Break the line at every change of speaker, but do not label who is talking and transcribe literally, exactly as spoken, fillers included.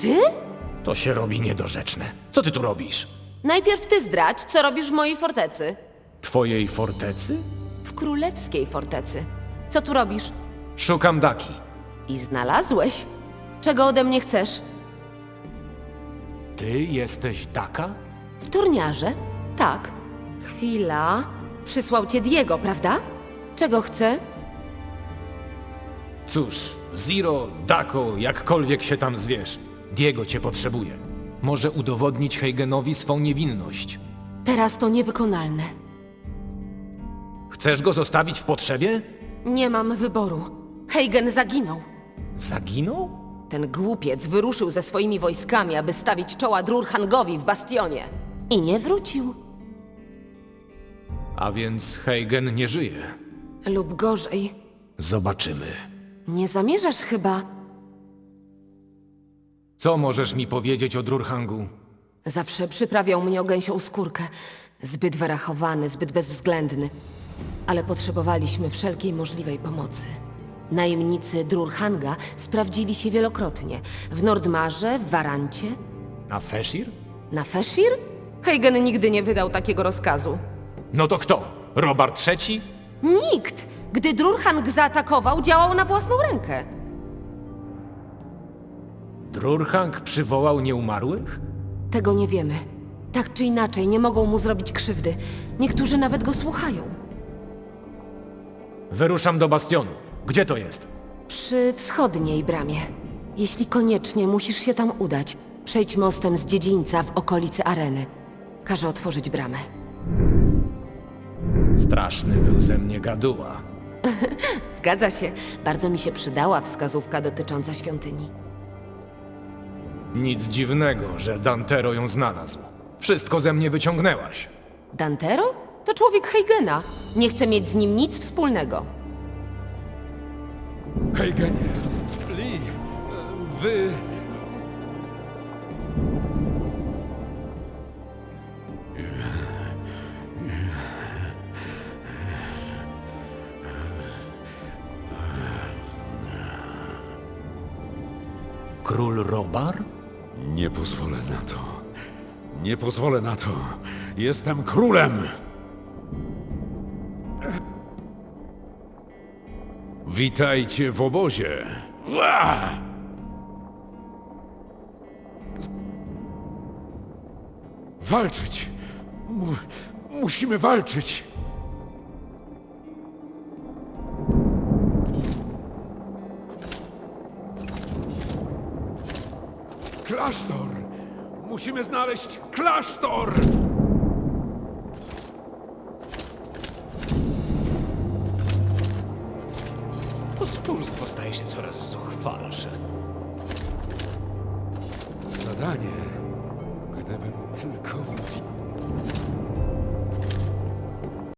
Ty?
To się robi niedorzeczne. Co ty tu robisz?
Najpierw ty zdradź, co robisz w mojej fortecy.
Twojej fortecy?
W królewskiej fortecy. Co tu robisz?
Szukam Daki.
I znalazłeś? Czego ode mnie chcesz?
Ty jesteś Daka?
W turniarze? Tak. Chwila. Przysłał cię Diego, prawda? Czego chce?
Cóż, Zero, Dako, jakkolwiek się tam zwiesz. Diego cię potrzebuje. Może udowodnić Heigenowi swą niewinność.
Teraz to niewykonalne.
Chcesz go zostawić w potrzebie?
Nie mam wyboru. Heigen zaginął.
Zaginął?
Ten głupiec wyruszył ze swoimi wojskami, aby stawić czoła Drurhangowi w bastionie. I nie wrócił.
A więc Heigen nie żyje.
Lub gorzej.
Zobaczymy.
Nie zamierzasz chyba...
Co możesz mi powiedzieć o Drurhangu?
Zawsze przyprawiał mnie o gęsią skórkę. Zbyt wyrachowany, zbyt bezwzględny. Ale potrzebowaliśmy wszelkiej możliwej pomocy. Najemnicy Drurhanga sprawdzili się wielokrotnie. W Nordmarze, w Warancie,
Na Feshir?
na Feshir? Heigen nigdy nie wydał takiego rozkazu.
No to kto? Robert trzeci?
Nikt! Gdy Drurhang zaatakował, działał na własną rękę.
Drurhang przywołał nieumarłych?
Tego nie wiemy. Tak czy inaczej, nie mogą mu zrobić krzywdy. Niektórzy nawet go słuchają.
Wyruszam do bastionu. Gdzie to jest?
Przy wschodniej bramie. Jeśli koniecznie musisz się tam udać, przejdź mostem z dziedzińca w okolicy areny. Każę otworzyć bramę.
Straszny był ze mnie gaduła.
Zgadza się. Bardzo mi się przydała wskazówka dotycząca świątyni.
Nic dziwnego, że Dantero ją znalazł. Wszystko ze mnie wyciągnęłaś.
Dantero? To człowiek Heigena. Nie chcę mieć z nim nic wspólnego.
Heigenie, Lee, wy...
Król Robar?
Nie pozwolę na to. Nie pozwolę na to. Jestem królem! Witajcie w obozie. Ua! Walczyć! Mu musimy walczyć! Klasztor! Musimy znaleźć klasztor!
Pospólstwo staje się coraz zuchwalsze.
Zadanie, gdybym tylko...